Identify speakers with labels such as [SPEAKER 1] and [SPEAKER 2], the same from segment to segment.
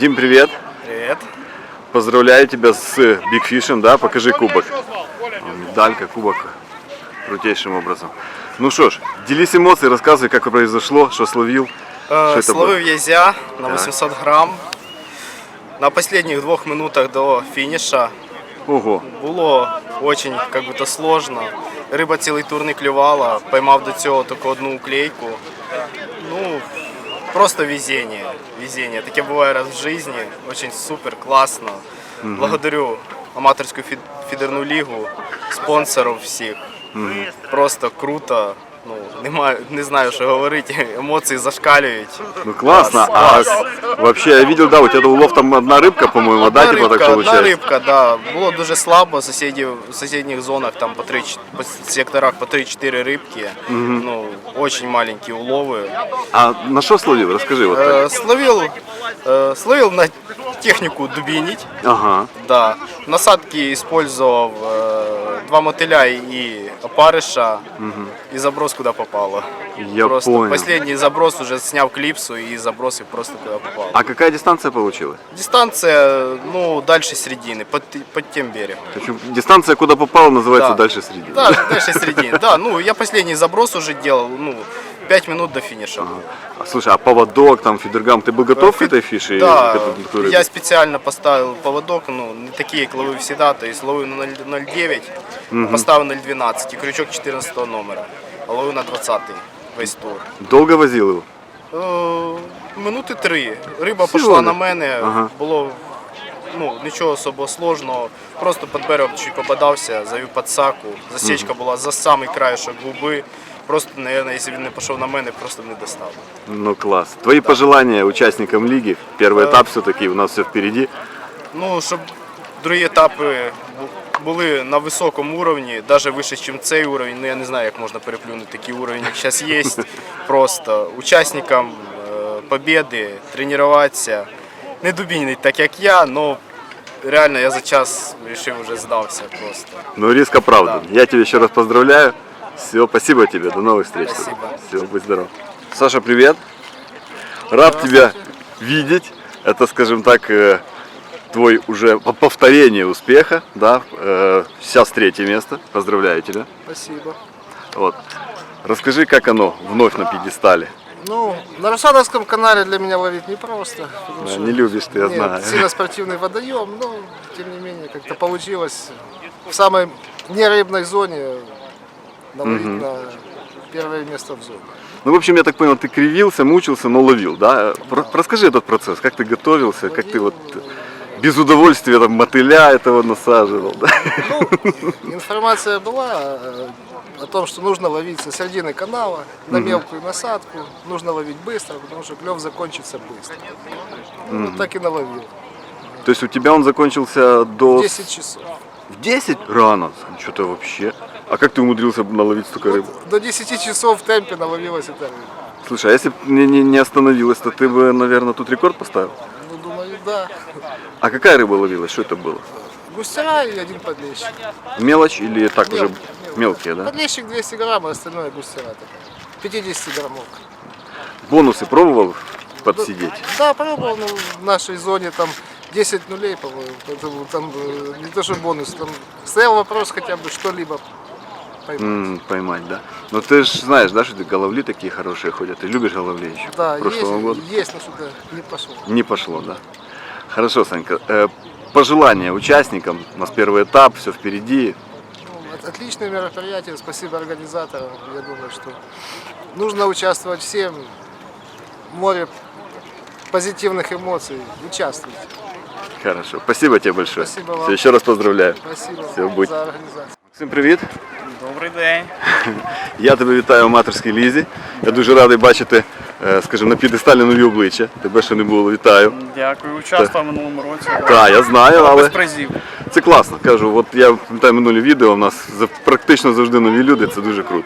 [SPEAKER 1] Дим, привет.
[SPEAKER 2] Привет.
[SPEAKER 1] Поздравляю тебя с Big Fish'ем, да? Покажи кубок. Медалька, кубок. Крутейшим образом. Ну что ж, делись эмоцией, рассказывай, как произошло, что словил.
[SPEAKER 2] Словив язя на 800 грам. На последних 2 минутах до фініша.
[SPEAKER 1] Ого.
[SPEAKER 2] Було очень как-то сложно. Риба цілий тур не клювала, поймав до цього тільки одну уклейку. Ну, просто везение. Везение. Таке буває раз в житті. Очень супер, класно. Благодарю аматорську фідерну лігу, спонсорів всіх. Просто круто. Ну, не знаю, що говорити, емоції зашкалюють.
[SPEAKER 1] Ну классно, а вообще я видел, да, у тебя улов там одна рыбка, по-моему, да, типа так получается?
[SPEAKER 2] Одна рибка, да. Було дуже слабо, в сусідніх зонах, там по секторах по 3-4 рибки. Ну, очень маленькі улови.
[SPEAKER 1] А на что словил, расскажи вот так.
[SPEAKER 2] Словил на техніку дубінить.
[SPEAKER 1] Ага.
[SPEAKER 2] Да. Насадки использовал 2 мотиля и опарыша, и заброс куда попало.
[SPEAKER 1] Я
[SPEAKER 2] просто
[SPEAKER 1] понял.
[SPEAKER 2] Последний заброс уже снял клипсу и забросил просто куда попало.
[SPEAKER 1] А какая дистанция получилась?
[SPEAKER 2] Дистанция, ну, дальше середины, под тем берегом.
[SPEAKER 1] Дистанция, куда попала, называется
[SPEAKER 2] Да.
[SPEAKER 1] дальше середины.
[SPEAKER 2] Да, дальше середины. Да, ну, я последний заброс уже делал, ну, 5 минут до финиша.
[SPEAKER 1] Слушай, а поводок, там, фидергам, ты был готов к этой фише?
[SPEAKER 2] Да, я специально поставил поводок, ну, не такие, как ловил всегда, то есть ловил на 0,9, поставил 0,12 и крючок 14 номера, а ловил на 20 весь тур.
[SPEAKER 1] Долго возил его?
[SPEAKER 2] Минути 3. Риба
[SPEAKER 1] Всього
[SPEAKER 2] пішла
[SPEAKER 1] не?
[SPEAKER 2] на мене,
[SPEAKER 1] Ага.
[SPEAKER 2] було нічого особо сложного, просто під берегом чуть попадався, завів підсаку, засічка була за самий краєшок губи. Просто, наверное, если бы он не пошел на мене, просто б не достал.
[SPEAKER 1] Ну класс. Твои пожелания участникам лиги? Первый этап все-таки, у нас все впереди.
[SPEAKER 2] Ну, щоб другі етапи були на високому рівні, навіть вище, ніж цей рівень. Ну, я не знаю, як можна переплюнути такий рівень, як зараз є. Просто учасникам победи, тренуватися, не дубінити так, як я, але реально я за час вирішив, вже здався просто.
[SPEAKER 1] Ну риск оправдан.
[SPEAKER 2] Да.
[SPEAKER 1] Я тебя еще раз поздравляю. Все, спасибо тебе, до новых встреч.
[SPEAKER 2] Спасибо.
[SPEAKER 1] Все, будь здоров. Саша, привет. Рад тебя видеть. Это, скажем так, твой уже повторение успеха, да? Сейчас 3-е место. Поздравляю тебя.
[SPEAKER 3] Спасибо.
[SPEAKER 1] Вот. Расскажи, как оно вновь на пьедестале.
[SPEAKER 3] Ну, на Русановском канале для меня ловить непросто.
[SPEAKER 1] Да, не любишь ты, я
[SPEAKER 3] нет,
[SPEAKER 1] знаю.
[SPEAKER 3] сильно спортивный водоем, но тем не менее как-то получилось в самой нерыбной зоне наловить на первое место в зоне.
[SPEAKER 1] Ну, в общем, я так понял, ты кривился, мучился, но ловил, да? Расскажи этот процесс, как ты готовился, как ты вот без удовольствия там мотыля этого насаживал, да?
[SPEAKER 3] Ну, информация была о том, что нужно ловить со середины канала на мелкую насадку, нужно ловить быстро, потому что клев закончится быстро. Ну, вот так и наловил.
[SPEAKER 1] То есть у тебя он закончился до...
[SPEAKER 3] 10 часов.
[SPEAKER 1] В 10? Рано, что-то вообще. А как ты умудрился наловить столько рыбы?
[SPEAKER 3] До 10 часов в темпе наловилась эта рыба.
[SPEAKER 1] Слушай, а если бы не остановилась, то ты бы, наверное, тут рекорд поставил?
[SPEAKER 3] Ну, думаю, да.
[SPEAKER 1] А какая рыба ловилась? Что это было?
[SPEAKER 3] Густера и один подлещик.
[SPEAKER 1] Мелочь или так уже
[SPEAKER 3] Мелкий.
[SPEAKER 1] мелкие, да?
[SPEAKER 3] Подлещик 200 грамм, а остальное густера. 50 граммов.
[SPEAKER 1] Бонусы пробовал подсидеть?
[SPEAKER 3] Да, пробовал, ну, в нашей зоне там 10 нулей, по-моему. Поэтому там не то, что бонус, там стоял вопрос хотя бы что-либо поймать.
[SPEAKER 1] Поймать, да? Но ты же знаешь, да, что головли такие хорошие ходят. Ты любишь головли еще?
[SPEAKER 3] Да,
[SPEAKER 1] Прошлого года?
[SPEAKER 3] есть, но сюда не пошло.
[SPEAKER 1] Не пошло, да? Хорошо, Санька. Пожелания участникам. У нас первый этап, все впереди.
[SPEAKER 3] Ну, отличное мероприятие, спасибо организаторам. Я думаю, что нужно участвовать всем. Море позитивных эмоций. Участвуйте.
[SPEAKER 1] Хорошо. Спасибо тебе большое.
[SPEAKER 3] Спасибо вам.
[SPEAKER 1] Все, еще раз поздравляю.
[SPEAKER 3] Спасибо
[SPEAKER 1] Все, будь.
[SPEAKER 3] за организацию.
[SPEAKER 1] Всім привіт.
[SPEAKER 2] Добрий день.
[SPEAKER 1] Я тебе вітаю в аматорській лізі. Я дуже радий бачити, скажімо, на п'єдесталі нові обличчя. Тебе ще не було, вітаю.
[SPEAKER 4] Дякую, участвував в минулому році.
[SPEAKER 1] Так, я знаю, але
[SPEAKER 4] Без призів.
[SPEAKER 1] це класно. Кажу, от я пам'ятаю минулі відео, у нас практично завжди нові люди, це дуже круто.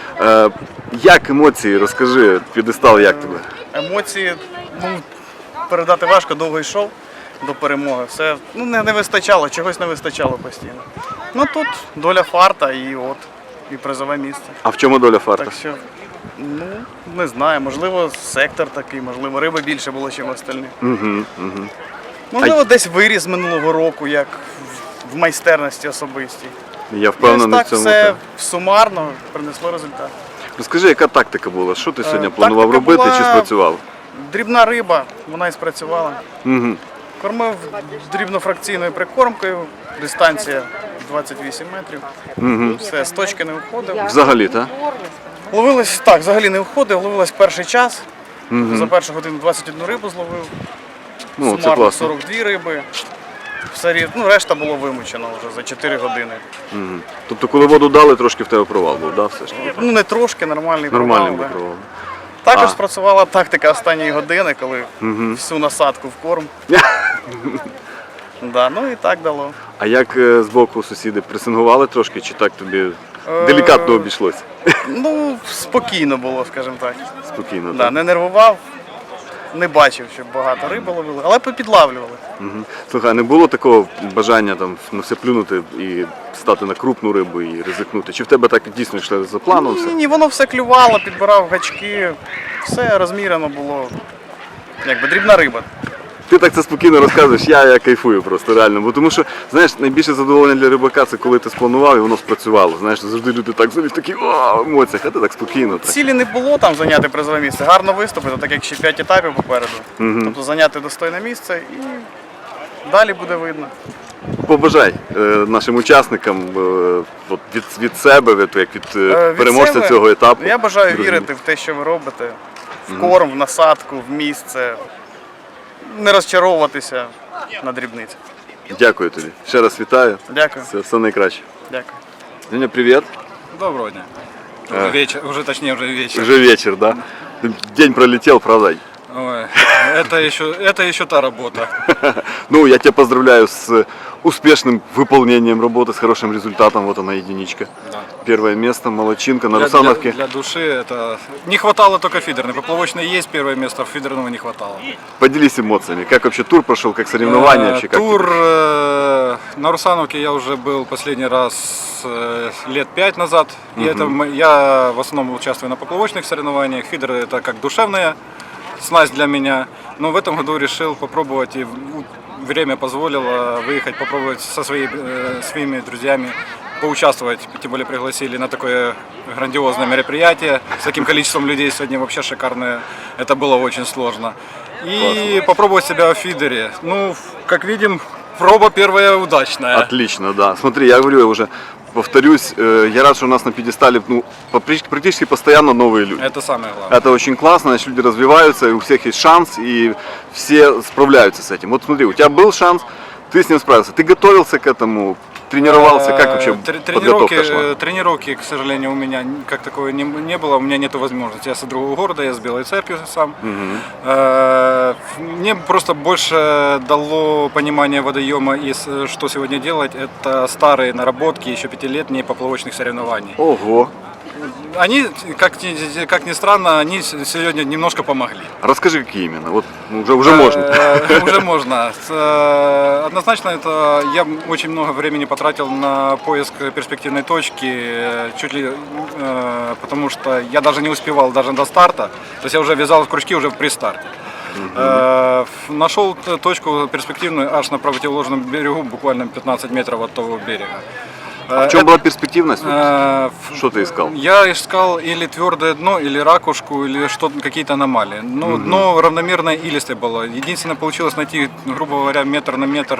[SPEAKER 1] Як емоції, розкажи, п'єдестал як тебе?
[SPEAKER 4] Емоції, ну, передати важко, довго йшов до перемоги. Все, ну, не вистачало, чогось не вистачало постійно. Ну тут доля фарта і от, і призове місце.
[SPEAKER 1] А в чому доля фарта?
[SPEAKER 4] Так що Ну, не знаю, можливо, сектор такий, можливо, риби більше було, ніж остальних. Можливо, десь виріс з минулого року, як в майстерності особистій.
[SPEAKER 1] Я
[SPEAKER 4] Ось
[SPEAKER 1] впевнений
[SPEAKER 4] так
[SPEAKER 1] в цьому.
[SPEAKER 4] все
[SPEAKER 1] так.
[SPEAKER 4] сумарно принесло результат.
[SPEAKER 1] Розкажи, яка тактика була? Що ти сьогодні
[SPEAKER 4] Тактика
[SPEAKER 1] планував робити
[SPEAKER 4] була-
[SPEAKER 1] чи спрацював?
[SPEAKER 4] Дрібна риба, вона і спрацювала.
[SPEAKER 1] Угу.
[SPEAKER 4] Кормив дрібнофракційною прикормкою, дистанція 28 метрів. Все, з точки не виходив.
[SPEAKER 1] Взагалі, так?
[SPEAKER 4] Ловилось, так, взагалі не виходив, ловилось перший час. За першу годину 21 рибу зловив.
[SPEAKER 1] Ну, це
[SPEAKER 4] Сумарно
[SPEAKER 1] класно.
[SPEAKER 4] 42 риби. Решта було вимучено вже за 4 години.
[SPEAKER 1] Тобто, коли воду дали, трошки в тебе провал був, да, все ж таки?
[SPEAKER 4] Ну не трошки, нормальний
[SPEAKER 1] Нормальний
[SPEAKER 4] провал,
[SPEAKER 1] був
[SPEAKER 4] да.
[SPEAKER 1] провал.
[SPEAKER 4] Також
[SPEAKER 1] А.
[SPEAKER 4] спрацювала тактика останньої години, коли всю насадку в корм. Да, ну і так дало.
[SPEAKER 1] А як з боку сусіди пресингували трошки, чи так тобі делікатно обійшлося?
[SPEAKER 4] Ну, спокійно було, скажімо так.
[SPEAKER 1] Спокійно,
[SPEAKER 4] Да,
[SPEAKER 1] так?
[SPEAKER 4] не нервував, не бачив, щоб багато риби ловили, але попідлавлювали.
[SPEAKER 1] Слухай, а не було такого бажання там на все плюнути і стати на крупну рибу і ризикнути? Чи в тебе так дійсно йшло за планом все?
[SPEAKER 4] Ні, воно все клювало, підбирав гачки, все розмірено було. Якби дрібна риба.
[SPEAKER 1] Ти так це спокійно розказуєш, я кайфую просто реально. Бо тому що, знаєш, найбільше задоволення для рибака це коли ти спланував і воно спрацювало. Знаєш, завжди люди так взагалі в таких емоціях, а ти так спокійно. Так.
[SPEAKER 4] Цілі не було там зайняти призове місце, гарно виступити, так як ще 5 етапів попереду. Тобто зайняти достойне місце і далі буде видно.
[SPEAKER 1] Побажай нашим учасникам от від себе, як від переможця
[SPEAKER 4] себе
[SPEAKER 1] цього етапу.
[SPEAKER 4] Я бажаю
[SPEAKER 1] Друзі.
[SPEAKER 4] вірити в те, що ви робите, в корм, в насадку, в місце, не розчаровуватися на дрібниці.
[SPEAKER 1] Дякую тобі. Ще раз вітаю.
[SPEAKER 4] Дякую.
[SPEAKER 1] Все найкраще.
[SPEAKER 4] Дякую.
[SPEAKER 1] Женя, привіт.
[SPEAKER 5] Доброго дня. Уже вечер, уже точнее уже вечер.
[SPEAKER 1] Уже вечер, да? День пролетел, правда?
[SPEAKER 5] Ой, это еще та работа.
[SPEAKER 1] Ну, я тебя поздравляю с успешным выполнением работы, с хорошим результатом. Вот она, единичка.
[SPEAKER 5] Да.
[SPEAKER 1] Первое место, молодчинка на
[SPEAKER 5] Для,
[SPEAKER 1] Русановке.
[SPEAKER 5] для души это... Не хватало только фидерной. Поплавочной есть первое место, фидерного не хватало.
[SPEAKER 1] Поделись эмоциями. Как вообще тур прошел, как соревнования? вообще, как
[SPEAKER 5] Тур
[SPEAKER 1] тебе?
[SPEAKER 5] на Русановке я уже был последний раз лет 5 назад. И я в основном участвую на поплавочных соревнованиях. Фидер это как душевная снасть для меня. Но в этом году решил попробовать, и время позволило выехать, попробовать со своими друзьями поучаствовать. Тем более пригласили на такое грандиозное мероприятие. С таким количеством людей сегодня вообще шикарное. Это было очень сложно. И попробовать себя в фидере. Ну, как видим, проба первая удачная.
[SPEAKER 1] Отлично, да. Смотри, я говорю, я уже повторюсь, я рад, что у нас на пьедестале практически постоянно новые люди.
[SPEAKER 5] Это самое главное.
[SPEAKER 1] Это очень классно, значит, люди развиваются, и у всех есть шанс, и все справляются с этим. Вот смотри, у тебя был шанс, ты с ним справился. Ты готовился к этому, тренировался, как вообще подготовка шла?
[SPEAKER 5] Тренировки, к сожалению, у меня как такое не было, у меня нет возможности. Я с другого города, я с Белой Церкви сам. Мне просто больше дало понимание водоема и что сегодня делать. Это старые наработки, еще 5-летние поплавочных соревнований.
[SPEAKER 1] Ого!
[SPEAKER 5] Они, как ни странно, они сегодня немножко помогли.
[SPEAKER 1] Расскажи, какие именно. Вот уже можно.
[SPEAKER 5] Уже можно. Однозначно, это я очень много времени потратил на поиск перспективной точки, чуть ли, потому что я даже не успевал даже до старта. То есть я уже вязал крючки уже при старте. Нашел точку перспективную аж на противоположном берегу, буквально 15 метров от того берега.
[SPEAKER 1] А в чем была перспективность?
[SPEAKER 5] Э,
[SPEAKER 1] Что ты искал?
[SPEAKER 5] Я искал или твердое дно, или ракушку, или какие-то аномалии. Ну, дно равномерное илистое было. Единственное, получилось найти, грубо говоря, метр на метр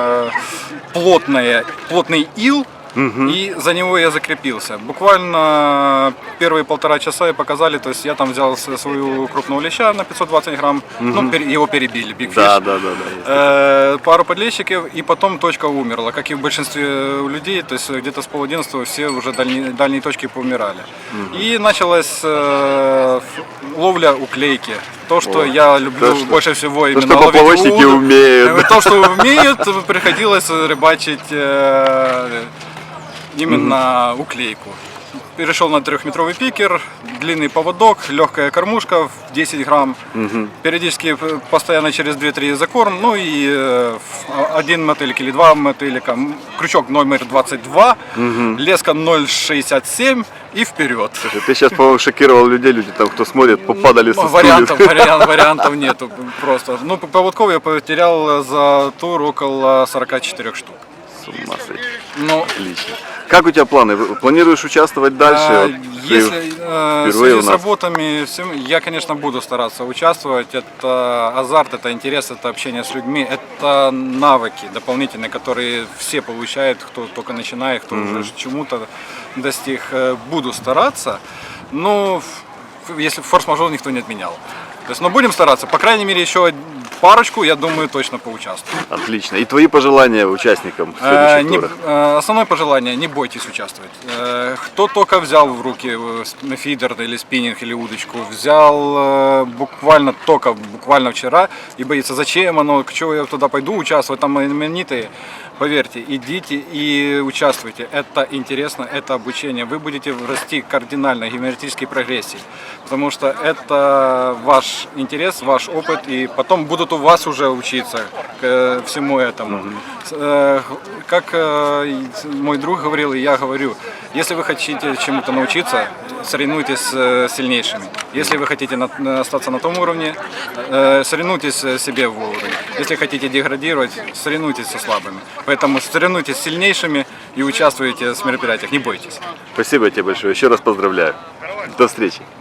[SPEAKER 5] плотный ил, и за него я закрепился. Буквально первые 1,5 часа и показали, то есть я там взял свою крупного леща на 520 грамм, ну, его перебили, Big Fish.
[SPEAKER 1] Да.
[SPEAKER 5] Пару подлещиков, и потом точка умерла. Как и в большинстве людей, то есть где-то с 10:30 все уже дальние точки поумирали. И началась ловля уклейки. То, что я люблю больше всего именно
[SPEAKER 1] что
[SPEAKER 5] ловить
[SPEAKER 1] поплавочники
[SPEAKER 5] уду.
[SPEAKER 1] умеют.
[SPEAKER 5] То, что умеют, приходилось рыбачить именно уклейку. перешел на 3-метровый пикер, длинный поводок, легкая кормушка в 10 грамм, периодически постоянно через 2-3 закорм, ну и один мотылик или 2 мотылика, крючок номер 22, леска 0,67 и вперед.
[SPEAKER 1] Слушай, ты сейчас, по-моему, шокировал людей, люди там, кто смотрит, попадали со
[SPEAKER 5] Вариантов,
[SPEAKER 1] стульев.
[SPEAKER 5] вариантов нету просто. Ну, поводков я потерял за тур около 44 штук.
[SPEAKER 1] С ума сойти.
[SPEAKER 5] Ну,
[SPEAKER 1] Отлично. Как у тебя планы? Планируешь участвовать дальше? Вот ты
[SPEAKER 5] Если в
[SPEAKER 1] впервые
[SPEAKER 5] связи
[SPEAKER 1] у
[SPEAKER 5] с
[SPEAKER 1] нас.
[SPEAKER 5] работами, я, конечно, буду стараться участвовать. Это азарт, это интерес, это общение с людьми, это навыки дополнительные, которые все получают, кто только начинает, кто уже чему-то достиг. Буду стараться, но если форс-мажор никто не отменял. То есть, но будем стараться, по крайней мере, еще парочку, я думаю, точно поучаствую.
[SPEAKER 1] Отлично. И твои пожелания участникам следующих туров?
[SPEAKER 5] Основное пожелание: не бойтесь участвовать. Кто только взял в руки фидер или спиннинг или удочку, взял буквально вчера и боится, зачем оно, к чему я туда пойду участвовать, там именитые. Поверьте, идите и участвуйте. Это интересно, это обучение. Вы будете расти кардинально, геометрической прогрессии. Потому что это ваш интерес, ваш опыт. И потом будут у вас уже учиться всему этому. Как мой друг говорил, и я говорю, если вы хотите чему-то научиться, соревнуйтесь с сильнейшими. Если вы хотите остаться на том уровне, соревнуйтесь себе в уровне. Если хотите деградировать, соревнуйтесь со слабыми. Поэтому соревнуйтесь с сильнейшими и участвуйте в мероприятиях, не бойтесь.
[SPEAKER 1] Спасибо тебе большое. Еще раз поздравляю. До встречи.